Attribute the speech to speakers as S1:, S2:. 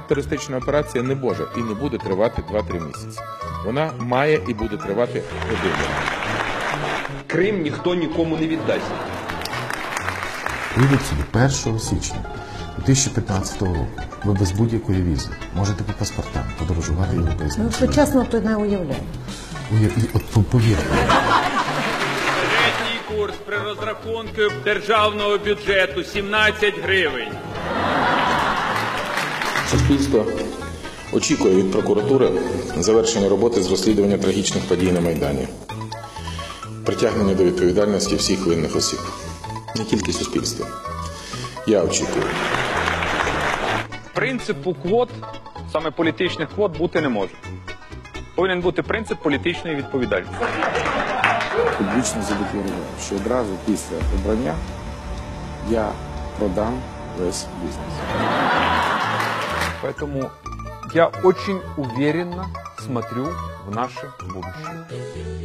S1: антитерористична операція не може і не буде тривати 2-3 місяці. Вона має і буде тривати 1 рік.
S2: Крим ніхто нікому не віддасть.
S3: Уявіть собі, 1 січня 2015 року ви без будь-якої візи можете по паспортам подорожувати європейським Союзом.
S4: Почесно то не уявляю.
S3: От повірте.
S5: Середній курс при розрахунку державного бюджету 17 гривень.
S1: Суспільство очікує від прокуратури завершення роботи з розслідування трагічних подій на Майдані, притягнення до відповідальності всіх винних осіб. Не тільки суспільство. Я очікую.
S6: Принципу квот, саме політичних квот, бути не може. Повинен бути принцип політичної відповідальності.
S1: Публічно задекларував, що одразу після обрання я продам весь бізнес.
S6: Поэтому я очень уверенно смотрю в наше будущее.